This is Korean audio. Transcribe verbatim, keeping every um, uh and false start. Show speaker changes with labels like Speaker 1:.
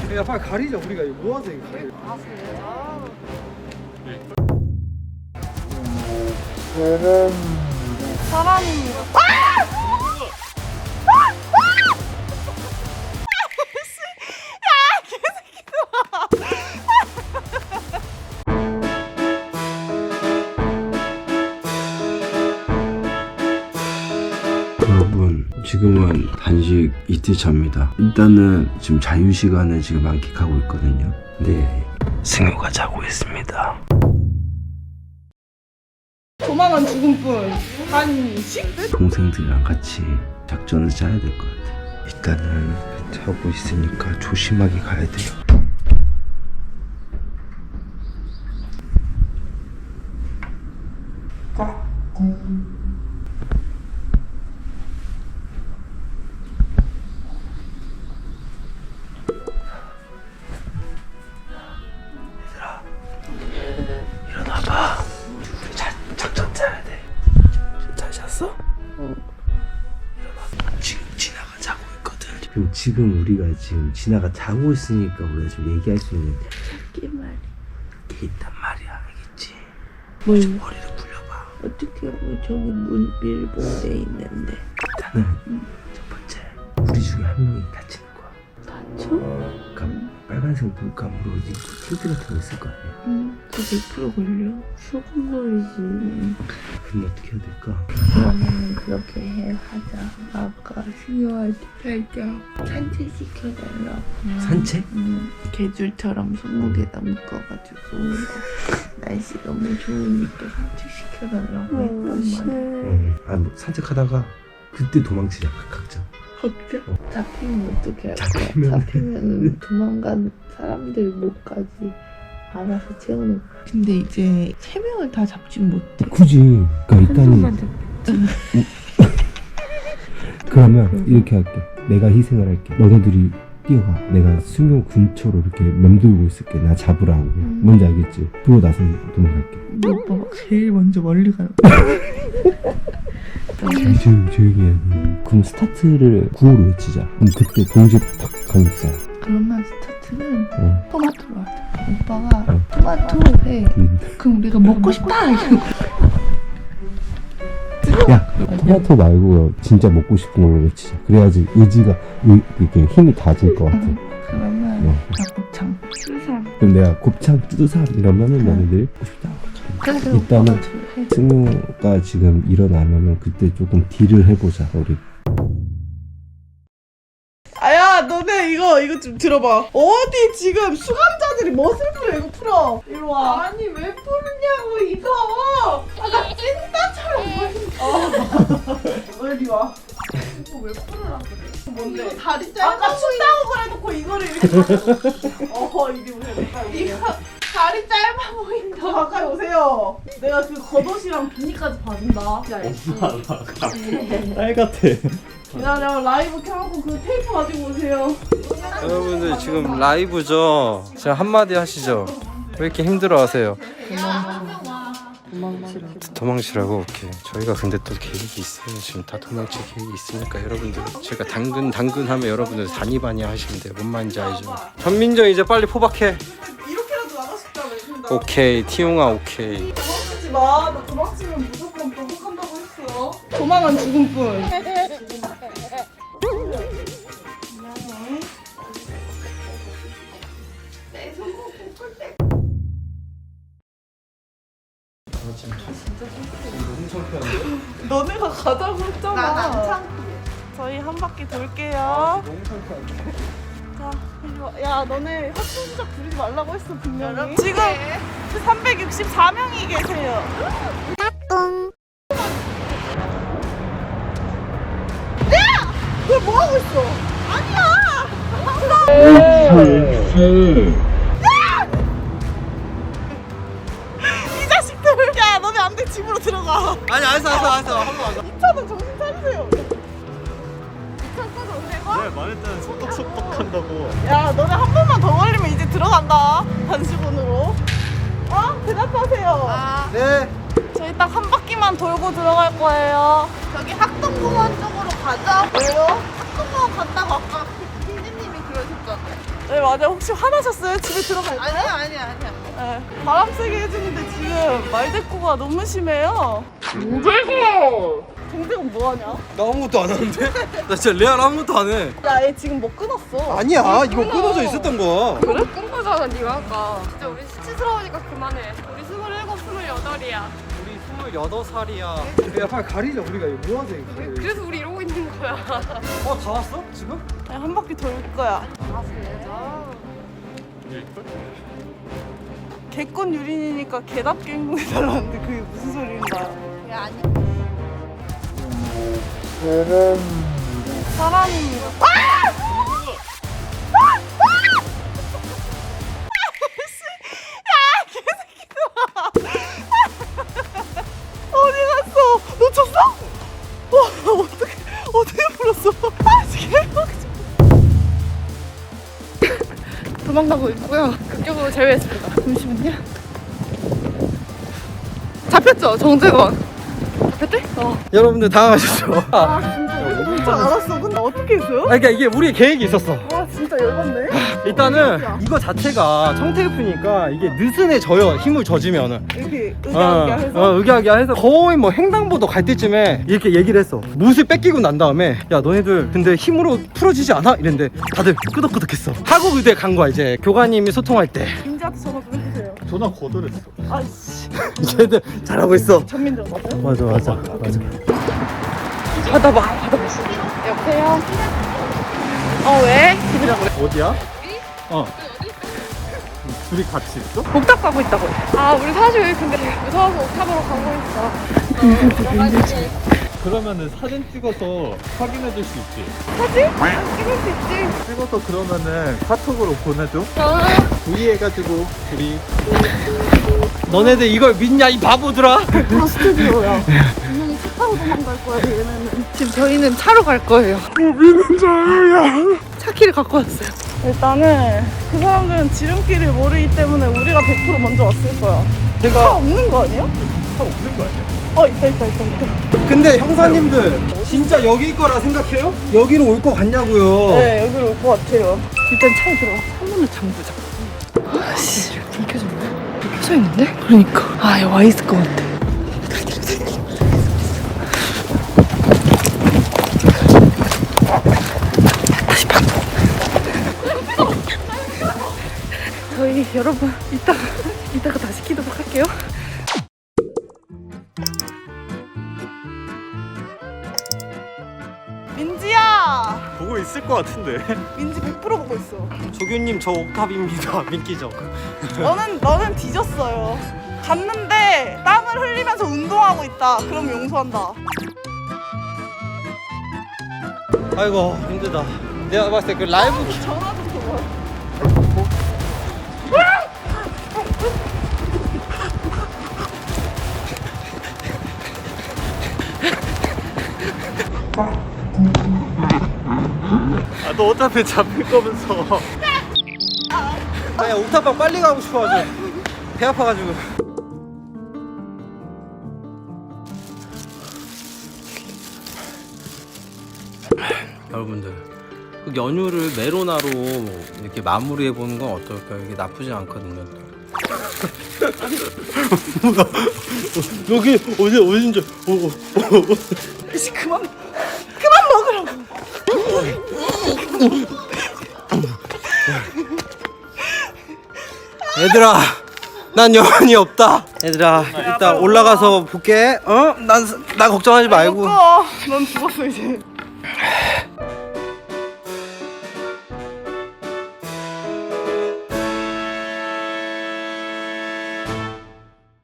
Speaker 1: 야 빨리 가리자. 우리가 이거 모아서 이거 가리자.
Speaker 2: 아 진짜? 사람이
Speaker 3: 여러분 지금은 단식 이틀차입니다. 일단은 지금 자유시간을 지금 만끽하고 있거든요. 네, 승효가 자고 있습니다.
Speaker 2: 도망은 죽음뿐. 한식?
Speaker 3: 동생들이랑 같이 작전을 짜야 될 것 같아요. 일단은 자고 있으니까 조심하게 가야 돼요. 일어나봐. 우리 자, 작전 짜야 돼. 잘 잤어? 응. 일어나. 지금 진아가 자고 있거든. 지금 지금 우리가 지금 진아가 자고 있으니까 우리가 지금 얘기할 수 있는
Speaker 4: 게 말이
Speaker 3: 게 있단 말이야, 알겠지?
Speaker 4: 뭘
Speaker 3: 좀 머리를 굴려봐.
Speaker 4: 어떻게 뭐 저기 문 밀봉돼 있는데
Speaker 3: 일단은 첫 번째 우리 중에 한 명이 다치는 거야.
Speaker 4: 다쳐?
Speaker 3: 그러니까 빨간색 물감으로 이제 힌트 같은 거 있을 거 아니야.
Speaker 4: 응. 그 백 퍼센트 걸려? 수근거리지.
Speaker 3: 그럼 어떻게 해야 될까?
Speaker 4: 그러면 그렇게 해 하자. 아까 승효한테 살짝 산책시켜달라고.
Speaker 3: 산책?
Speaker 4: 응. 개줄처럼 손목에다 묶어가지고 날씨 너무 좋으니까 산책시켜달라고 했단 말이야.
Speaker 3: 응. 아, 뭐 산책하다가 그때 도망치자, 각자.
Speaker 4: 걱정?
Speaker 3: 어.
Speaker 4: 잡히면 어떻게 할 거야?
Speaker 3: 잡히면-
Speaker 4: 잡히면 도망간 사람들 못까지 알아서 채우는. 근데 이제 세 명을 다 잡진 못해.
Speaker 3: 굳이. 그러니까 일단은 그러면 이렇게 할게. 내가 희생을 할게. 너네들이 뛰어가. 내가 승용 근처로 이렇게 맴돌고 있을게. 나 잡으라고.
Speaker 4: 음.
Speaker 3: 뭔지 알겠지? 그러고 나서 도망갈게.
Speaker 4: 너 오빠 막 제일 먼저 멀리 가는
Speaker 3: 조용히 조용히 해야 돼. 그럼 스타트를 구호로 외치자. 그럼 그때 동시에 탁 가는 거야.
Speaker 4: 그러면 스타트는
Speaker 3: 어.
Speaker 4: 토마토로 하자. 오빠가
Speaker 3: 어.
Speaker 4: 토마토를 해.
Speaker 3: 음.
Speaker 4: 그럼 우리가 먹고 싶다 이러고.
Speaker 3: 야, 토마토 말고 진짜 먹고 싶은 걸로 외치자. 그래야지 의지가 의, 이렇게 힘이 다질 것 같아.
Speaker 4: 그러면
Speaker 3: 어.
Speaker 4: 곱창, 수삼.
Speaker 3: 그럼 내가 곱창 뚜두삼 이러면은 너네들이 먹고 싶다.
Speaker 4: 그래서
Speaker 3: 일단은
Speaker 4: 오빠가 줄 해.
Speaker 3: 승우가 지금 일어나면은 그때 조금 딜을 해보자. 우리
Speaker 2: 아야 너네 이거 이거 좀 들어봐. 어디 지금 수감자들이 멋을 부려. 이거 풀어. 이리 와. 아니 왜 풀냐고 이거. 아까 찐따처럼 보인다. 어. 이리 와. 이거 왜 풀으라 그래? 뭔데? 이거 다리 짧아. 아까 춥다고 그래놓고 이거를 이렇게. 어허 이리 오세요. 이거 다리 짧아 보인다. 가까이 오세요. 내가 그 겉옷이랑 비니까지 봐준다.
Speaker 1: 딸 같아.
Speaker 2: 기다려. 라이브 켜놓고 그 테이프 가지고 오세요.
Speaker 1: 여러분들 지금 라이브죠. 지금 한마디 하시죠. 왜 이렇게 힘들어하세요? 도망치라고. 오케이. 저희가 근데 또 계획이 있어요. 지금 다 도망칠 계획이 있으니까 여러분들 제가 당근 당근 하면 여러분들 다니바니 하시면 돼요. 뭔 말인지 알죠? 전민정 이제 빨리 포박해.
Speaker 2: 이렇게라도 나가고 싶다며. 근데
Speaker 1: 오케이 티용아 오케이.
Speaker 2: 도망치지 마. 너 도망치면 무조건 보복한다고 했어. 도망은 죽음뿐. 너네가 가자고 했잖아. 난안 참고. 저희 한 바퀴 돌게요.
Speaker 1: 너무 창피한데.
Speaker 2: 자, 이리 와. 야, 너네 학생 시작 부르지 말라고 했어 분명히. 지금 삼백육십사 명이 계세요. 야! 너 뭐 하고 있어? 아니야. 이 자식들. 야, 너네 안 돼. 집으로 들어가.
Speaker 1: 아니 알았어 알았어 알았어 한번 하자.
Speaker 2: 이 차는 정신 차리세요. 이 차 타서 오세요.
Speaker 1: 네 말했잖아 속덕속덕 한다고.
Speaker 2: 야, 너네 한 번만 더 걸리면 이제 들어간다. 단식원으로. 어? 대답하세요. 아.
Speaker 1: 네.
Speaker 2: 저희 딱 한 바퀴만 돌고 들어갈 거예요. 저기 학동공원 쪽으로 가자. 왜요? 학동공원 간다고 아까 피디님이 그러셨잖아요. 네 맞아요. 혹시 화나셨어요? 집에 들어갈까요? 아니야 아니야 아니야. 네, 바람 세게 해주는데 지금 말대꾸가 너무 심해요. 동대건! 동대건 뭐하냐?
Speaker 1: 나 아무것도 안 하는데? 나 진짜 레알 아무것도 안 해.
Speaker 2: 야 얘 지금 뭐 끊었어.
Speaker 1: 아니야 이거 끊어져 있었던 거야.
Speaker 5: 그래? 끈 거잖아 네가 아까. 진짜 우리 수치스러우니까 그만해. 우리 스물일곱, 스물여덟이야.
Speaker 1: 우리 스물여덟 살이야. 야 빨리 가리자 우리가 이거 뭐 하지?
Speaker 5: 그래서 우리 이러고 있는 거야.
Speaker 1: 어 다 왔어? 지금?
Speaker 2: 그냥 한 바퀴 돌 거야.
Speaker 5: 아 진짜?
Speaker 2: 개권 유린이니까 개답게 행동해달라는데 그게 무슨 소리인가요? 야 아니. 사람이. 어디 갔어? 놓쳤어? 와 어떻게 어떻게 풀었어? 아 지금
Speaker 5: 도망가고 있고요. 극적으로 제외했습니다. 잠시만요. 잡혔죠 정재건. 잡혔대? 어.
Speaker 1: 여러분들 당황하셨죠? 아,
Speaker 2: 진짜 알았어. 근데 어떻게 했어요?
Speaker 1: 그러니까 이게 우리의 계획이 있었어.
Speaker 2: 와 진짜 열받네.
Speaker 1: 일단은 이거 자체가 청테이프니까 이게 느슨해 져요. 힘을 젖으면은.
Speaker 2: 이렇게
Speaker 1: 어,
Speaker 2: 의기하게 해서.
Speaker 1: 어, 의기하게 해서 거의 뭐 횡단보도 갈 때쯤에 이렇게 얘기를 했어. 못을 뺏기고 난 다음에 야 너네들 근데 힘으로 풀어지지 않아? 이랬는데 다들 끄덕끄덕했어. 하고 의대 간 거야 이제 교관님이 소통할 때.
Speaker 2: 민지한테 전화 좀 해주세요.
Speaker 3: 전화 거절했어.
Speaker 2: 아이씨.
Speaker 1: 쟤들 잘하고 있어.
Speaker 2: 전민정 맞아요?
Speaker 1: 맞아 맞아 맞아.
Speaker 5: 받아봐. 받아봐. 여보세요? 어 왜?
Speaker 3: 어디야? 어. 둘이 같이 있어?
Speaker 5: 옥탑 가고 있다고. 아 우리 사실 근데 무서워서 옥탑으로 가고 있어.
Speaker 3: 그러면은 사진 찍어서 확인해 줄 수 있지?
Speaker 5: 사진? 찍을 수 있지.
Speaker 3: 찍어서 그러면은 카톡으로 보내줘.
Speaker 5: 아.
Speaker 3: V 해가지고 둘이.
Speaker 1: 너네들 이걸 믿냐 이 바보들아.
Speaker 2: 다 스튜디오야. 분명히 차 타고 도망갈 거야 얘네는. 지금 저희는 차로 갈 거예요.
Speaker 3: 우리는 자유야.
Speaker 2: 차키를 갖고 왔어요. 일단은 그 사람들은 지름길을 모르기 때문에 우리가 백 퍼센트 먼저 왔을 거야. 차
Speaker 1: 제가
Speaker 2: 없는 거 아니야?
Speaker 3: 차 없는 거 아니야?
Speaker 2: 어 있다 있다 있다 있다.
Speaker 1: 근데 형사님들 진짜 여기일 거라 생각해요? 여기로 올 거 같냐고요.
Speaker 2: 네 여기로 올 것 같아요. 일단 차에 들어가. 창문을 잠그자. 아씨 불 켜졌네? 불 켜져 있는데? 그러니까 아 여기 와 있을 것 같아. 다시 방. 저희 여러분 이따가 이따가 다시 키도록 할게요. 민지야!
Speaker 3: 보고 있을 것 같은데.
Speaker 2: 민지 백 퍼센트 보고 있어.
Speaker 1: 조교님 저 옥탑입니다. 믿기죠?
Speaker 2: 너는 너는 뒤졌어요. 갔는데 땀을 흘리면서 운동하고 있다. 그럼 용서한다.
Speaker 1: 아이고 힘들다. 내가 봤을 때 그 라이브 기-
Speaker 2: 전화 좀 줘봐.
Speaker 3: 아, 너 어차피 잡힐 거면서.
Speaker 1: 아야 옥탑방 빨리 가고 싶어가지고 배 아파가지고. 여러분들 그 연휴를 메로나로 이렇게 마무리해 보는 건 어떨까요? 이게 나쁘지 않거든요. 여기 어디 어딘지.
Speaker 2: 씨 그만 그만 먹으라고.
Speaker 1: 얘들아, 난 여한이 없다. 얘들아, 일단 올라가서 볼게. 어? 난 나 걱정하지 말고.
Speaker 2: 먹어. 넌 죽었어 이제.